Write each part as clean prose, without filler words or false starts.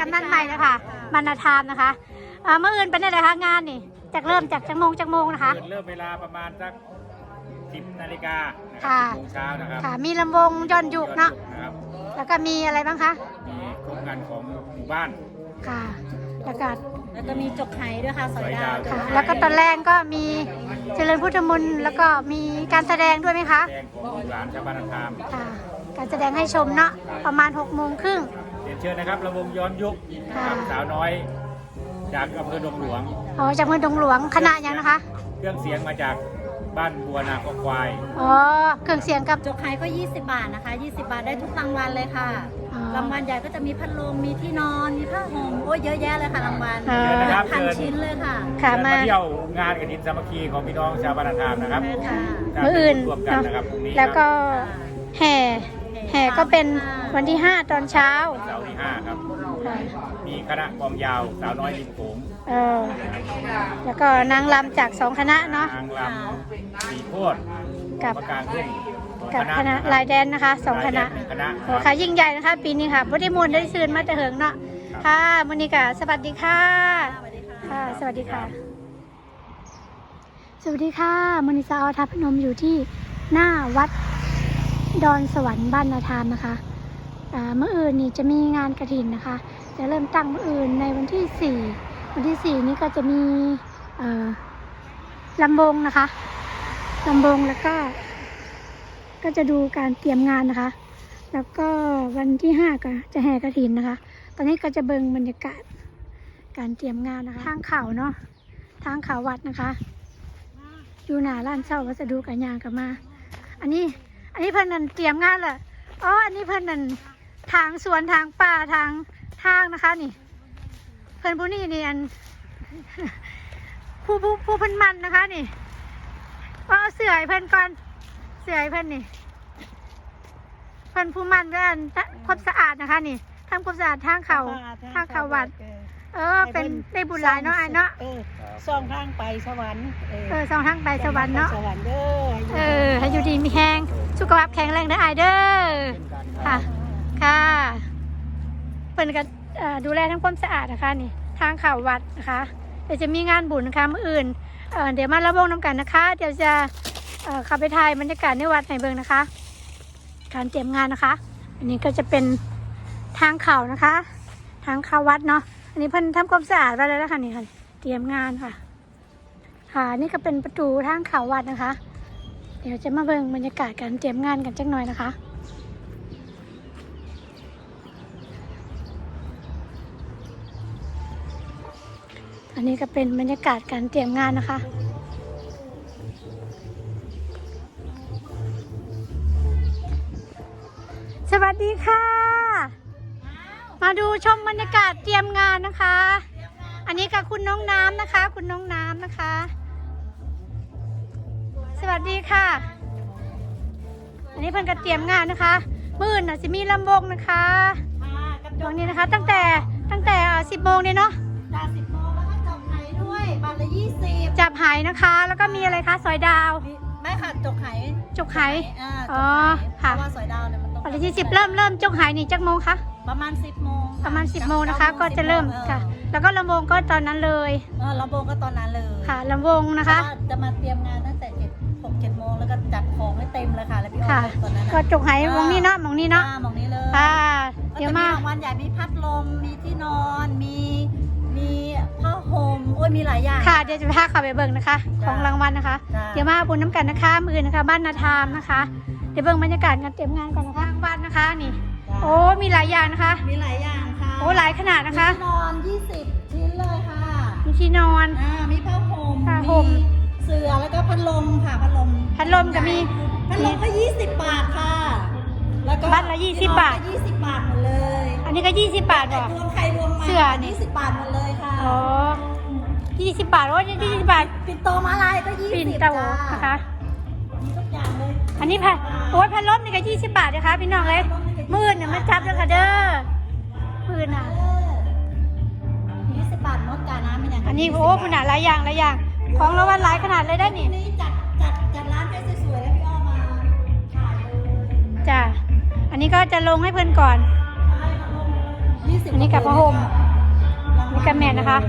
นั่นใหม่เลยค่ะบรรณธรรมนะคะเมื่ออื่นเป็นอะไรคะงานนี่จากเริ่มจากจังโมงนะคะเริ่มเวลาประมาณสัก10 นาฬิกาค่ะ 10 โมงเช้านะครับค่ะมีลำวงย้อนยุกเนาะแล้วก็มีอะไรบ้างคะมีโครงการของหมู่บ้านค่ะแล้วก็มีจกไหด้วยค่ะสอยดาวค่ะแล้วก็ตอนแรกก็มีเจริญพุทธมนต์แล้วก็มีการแสดงด้วยไหมคะแสดงของหลานชาวบ้านธรรมค่ะการแสดงให้ชมเนาะประมาณ6:30น. เรียนเชิญนะครับระวงย้อนยุคสาวน้อยจากอำเภอดงหลวงจากอำเภอดงหลวงคณะยังนะคะเครื่องเสียงมาจากบ้านบัวนาควายเครื่องเสียงกับจกไหก็20 บาทนะคะ20 บาทได้ทุกรางวัลเลยค่ะรางวัลใหญ่ก็จะมีพัดลมมีที่นอนมีผ้าห่มโอ้ยเยอะแยะเลยค่ะรางวัลพันชิ้นเลยค่ะมาเที่ยวงานกฐินสามัคคีของพี่น้องชาวบ้านธรรมนะครับมื้ออื่นแล้วก็แห่ก็เป็นวันที่5ตอนเช้าเสาร์ที่5ครับมีคณะกลองยาวสาวน้อยริมโขงแล้วก็นางรำจาก2 คณะเนาะนางรำสีโพธิ์กับคณะลายแดนนะคะ2 คณะโอ้ค่ะยิ่งใหญ่นะคะปีนี้ค่ะพุทธิมนต์ได้ซื่นมาแต่เหิงเนาะค่ะมณิกาสวัสดีค่ะค่ะสวัสดีค่ะสวัสดีค่ะมณิสาอทัพพนมอยู่ที่หน้าวัดดอนสวรรค์บ้านนาธามนะคะเมื่ออื่นนี่จะมีงานกฐินนะคะจะเริ่มตั้งเมื่ออื่นในวันที่4วันที่4นี้ก็จะมีลำวงนะคะลำวงแล้วก็จะดูการเตรียมงานนะคะแล้วก็วันที่5ก็จะแห่กฐินนะคะตอนนี้ก็จะเบิ่งบรรยากาศการเตรียมงานนะคะทางเขาเนาะทางเขาวัดนะคะอยู่หน้าร้านเช่าวัสดุกันยางกันมาอันนี้เพิ่นนั่นเตรียมงานเหรออันนี้เพิ่นนั่นทางสวนทางป่าทางนะคะนี่เพิ่นผู้นี้นี่อันผู้เพิ่นมันนะคะนี่เอาเสื่อยเพิ่นก่อนเสื่อยเพิ่นนี่เพิ่นผู้มันด้วยอันความสะอาดนะคะนี่ทำความสะอาดทางเขาวัดเป็นได้บุญหลายเนาะเนาะส่องทางไปสวรรค์ส่องทางไปสวรรค์เนาะให้อยู่ดีมีแห้งสุขภาพแข็งแรงได้เด้อค่ะเพิ่นก็ดูแลทั้งความสะอาดนะคะนี่ทางเขาวัดนะคะเดี๋ยวจะมีงานบุญนะคะมื้ออื่นเดี๋ยวมาระวงน้ำกันนะคะเดี๋ยวจะขับไปถ่ายบรรยากาศในวัดให้เบิ่งนะคะการเตรียมงานนะคะอันนี้ก็จะเป็นทางเขานะคะทางเขาวัดเนาะอันนี้เพิ่นทำความสะอาดไว้แล้วนะคะนี่ค่ะเตรียมงานค่ะนี่ก็เป็นประตูทางเขาวัดนะคะเดี๋ยวจะมาเบิ่งบรรยากาศการเตรียมงานกันจักหน่อยนะคะอันนี้ก็เป็นบรรยากาศการเตรียมงานนะคะสวัสดีค่ะมาดูชมบรรยากาศเตรียมงานนะคะอันนี้กับคุณน้องน้ำนะคะคุณน้องน้ำนะคะสวัสดีค่ะอันนี้เพิ่นก็เตรียมงานนะคะมื้อน่ะจะมีลำวงนะคะตรงนี้นะคะตั้งแต่10 โมงเนี่ยเนาะ 10 โมงแล้วก็จับไหด้วยบาทละ20 จับไหนะคะแล้วก็มีอะไรคะสอยดาวไม่ค่ะจกไหค่ะว่าสอยดาวเนี่ยมันต้องบาทละ20เริ่มจกไหนี่จักโมงคะประมาณ10 โมงนะคะก็จะเริ่มค่ะแล้วก็ลำวงก็ตอนนั้นเลยลำวงก็ตอนนั้นเลยค่ะลำวงนะคะจะมาเตรียมงานตั้งแต่6-7 โมงแล้วก็จัดของให้เต็มเลยค่ะแล้วพี่อ้อตอนนั้นก็จกไหวงนี้เนาะมองนี้เนาะมองนี้เลยเดี๋ยวมารางวัลใหญ่มีพัดลมมีที่นอนมีผ้าห่มมีหลายอย่างค่ะเดี๋ยวจะพาเข้าไปเบิ่งนะคะของรางวัลนะคะเดี๋ยวมาบุญน้ำกันนะคะมือนะคะบ้านนาธามนะคะเดี๋ยวเบิ่งบรรยากาศการเตรียมงานก่อนนะคะบ้านนะคะนี่มีหลายอย่างนะคะมีหลายอย่างค่ะหลายขนาดนะคะที่นอน20 ชิ้นเลยค่ะมีที่นอนมีผ้าห่มมีเสื่อแล้วก็พัดลมค่ะพัดลมก็มีพัดลมก็20 บาทค่ะแล้วก็บ้านละ20 บาท 20 บาทหมดเลยอันนี้ก็20 บาทรวมใครรวมมาเสื้อนี่ 20 บาทหมดเลยค่ะ 20 บาท20 บาทปิ่นโตมาลายก็20 ปิ่นโตนะคะมีทุกอย่างเลยอันนี้พัดลมนี่ก็20 บาทนะคะพี่น้องเลยมื้อเนี่ยมาจับแล้วค่ะเด้อมื้อน่ะ 20 บาทมดกาน้ำเป็นอย่างอันนี้คุณหลายอย่างของรางวัลหลายขนาดเลยได้นี่จัดร้านให้สวยๆแล้วพี่อ้อมาถ่ายเลยจ้ะอันนี้ก็จะลงให้เพื่อนก่อนอันนี้กับพระห่มนี่กับแม่นะคะ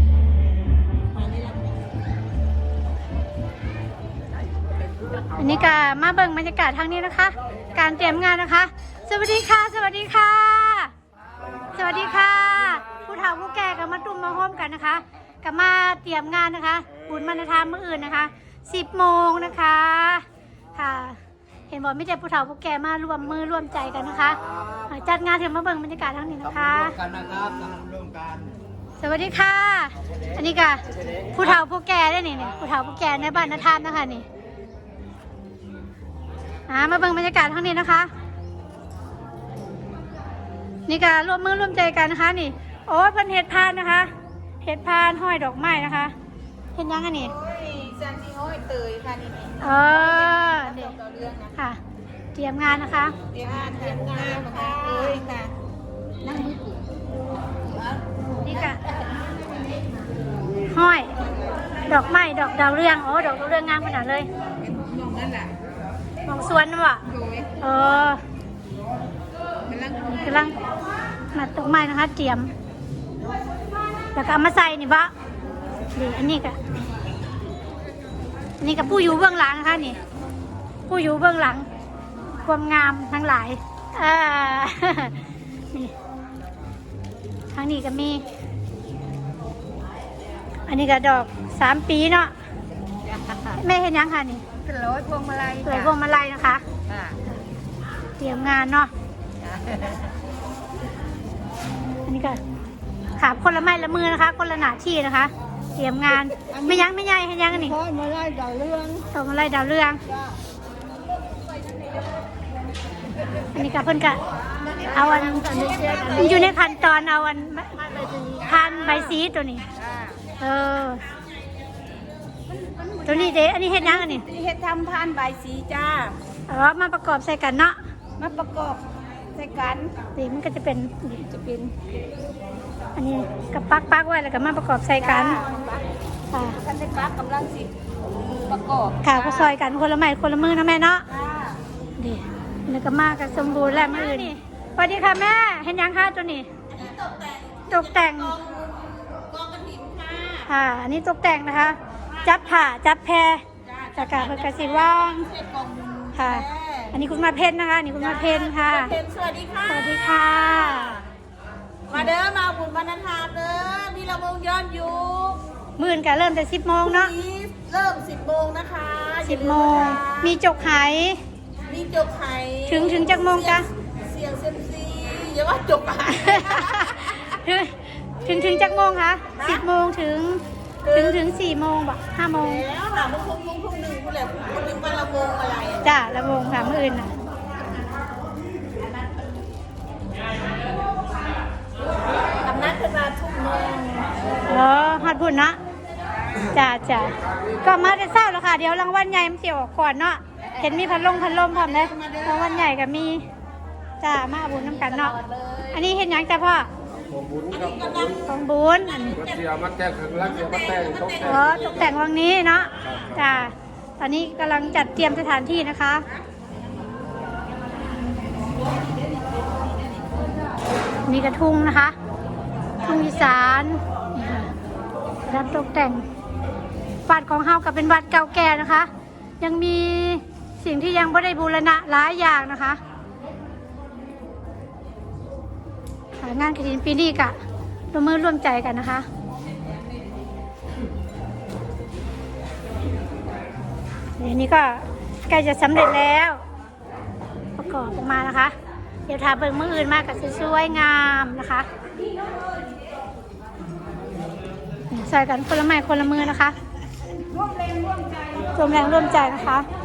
อันนี้ก็มาเบิ่งบรรยากาศทางนี้นะคะ การเตรียมงานนะคะ สวัสดีค่ะ สวัสดีค่ะ สวัสดีค่ะ ผู้เฒ่าผู้แก่ก็มาตุ้มมาโฮมกันนะคะก็มาเตรียมงานนะคะบุญมณฑามื้ออื่นนะคะ10 โมงนะคะค่ะเห็นบอกไม่ใช่ผู้เฒ่าผู้แก่มารวมมือร่วมใจกันนะคะจัดงานถึงมาเบิ่งบรรยากาศทางนี้นะคะกันนะครับร่วมกันสวัสดีค่ะ อันนี้ก็ผู้เฒ่าผู้แก่ได้นี่ผู้เฒ่าผู้แก่ในบ้านนาทานนะคะนี่มาเบิ่งบรรยากาศทางนี้นะคะ นี่ก็ร่วมมือร่วมใจกันนะคะนี่โอ้ยเพิ่นเห็ดพานนะคะเห็ดพานห้อยดอกไม้นะคะเห็นยังอันนี้แซนซี่ห้อยเตยค่ะนี่เด็กค่ะเตรียมงานนะคะเตรียมงานนะคะเอ้ยค่ะนั่งมือถือนี่ก็ห้อยดอกไม้ดอกดาวเรืองโอ้ดอกดาวเรืองงามขนาดเลยมองนั่นแหละมองสวนนะวะกำลังมัดดอกไม้นะคะเตรียมแล้วก็เอามาใส่นี่บะนี่อันนี้ก็นี่กับผู้อยู่เบื้องหลังนะคะนี่ผู้อยู่เบื้องหลังความงามทั้งหลายนี่ทางนี้ก็มีอันนี้ก็ดอก3 ปีเนาะแม่เห็นยังค่ะนี่เป็นร้อยพวงมาลัยสวยพวงมาลัยนะคะเตรียมงานเนาะอันนี้ก็ขาคนละไม้ละมือนะคะคนละหน้าที่นะคะเตรียมงานไม่ยั้งไม่ใหญ่เห็นยังอันนี้พวงมาลัยดาวเรืองพวงมาลัยดาวเรืองอันนี้ก็เพิ่นก็เอาอันอยู่ในขั้นตอนเอาอันพันใบสีตัวนี้ตัวนี้เด้อันนี้เฮ็ดยังอันนี้เฮ็ดทำพานใบสีจ้ามาประกอบใส่กันเนาะมาประกอบใส่กันนี่มันก็จะเป็นอันนี้กับปักไว้แล้วก็มาประกอบใส่กันค่ะท่านได้ปักกำลังสิประกอบค่ะก็ซอยกันคนละไม้คนละมือนะแม่เนาะดีแล้วก็มากันสมบูรณ์แล้วมือนี่สวัสดีค่ะแม่เห็นยังคะตัวนี้ตกแต่งกองกระถิ่นค่ะค่ะอันนี้ตกแต่งนะคะจับผ่าจับแพรจากการเพื่อกระสิว่างค่ะอันนี้คุณมาเพนนะคะนี่คุณมาเพนค่ะสวัสดีค่ะสวัสดีค่ะมาเด้อมาบุญบรรณาเด้อมีระวงย้อนยุคมื่นกันเริ่มแต่10 โมงเนาะเริ่ม10 โมงนะคะ 10 โมงมีจกไหมีจกไข่ถึงจักโมงจ้ะเสียงเซมซีอย่าว่าจกไข่ถึงจักโมงคะ10 โมงถึง4 โมงบ่5 โมงแล้วหาโมงทุ่มหนึ่งคุณแหละคุณนึกว่าระวงอะไรจ้ะละวงค่ะมื่ออื่นน่ะทำนัดขึ้นมาทุ่มนึงฮอดพุ่นเนาะจ้ะก็มาแต่เช้าแล้วค่ะเดี๋ยวรางวัลใหญ่มันสิออกก่อนเนาะเห็นมีพัดลมพร้อมเลยรางวัลใหญ่ก็มีจ้ามาบุญน้ำกันเนาะอันนี้เห็นยังจ้ะพ่อของบุญครับของบุญอันนี้เสียมาแต่งข้างล่างเสียมาแต่งตกแต่งตกแต่งวังนี้เนาะจ้าตอนนี้กำลังจัดเตรียมสถานที่นะคะนี่กระทุ่งนะคะทุ่งอีสานนี่ค่ะรับตกแต่งวัดของเฮากับเป็นวัดเก่าแก่นะคะ ยังมีสิ่งที่ยังไม่ได้บูรณะหลายอย่างนะคะงานกฐินปีนี้กะร่วมมือร่วมใจกันนะคะนี่ก็ใกล้จะสำเร็จแล้วประกอบออกมานะคะเดี๋ยวทาเบิ่งมืออื่นมากกับสวยงามนะคะใส่กันคนละไม้คนละมือนะคะร่วมแรงร่วมใจนะคะ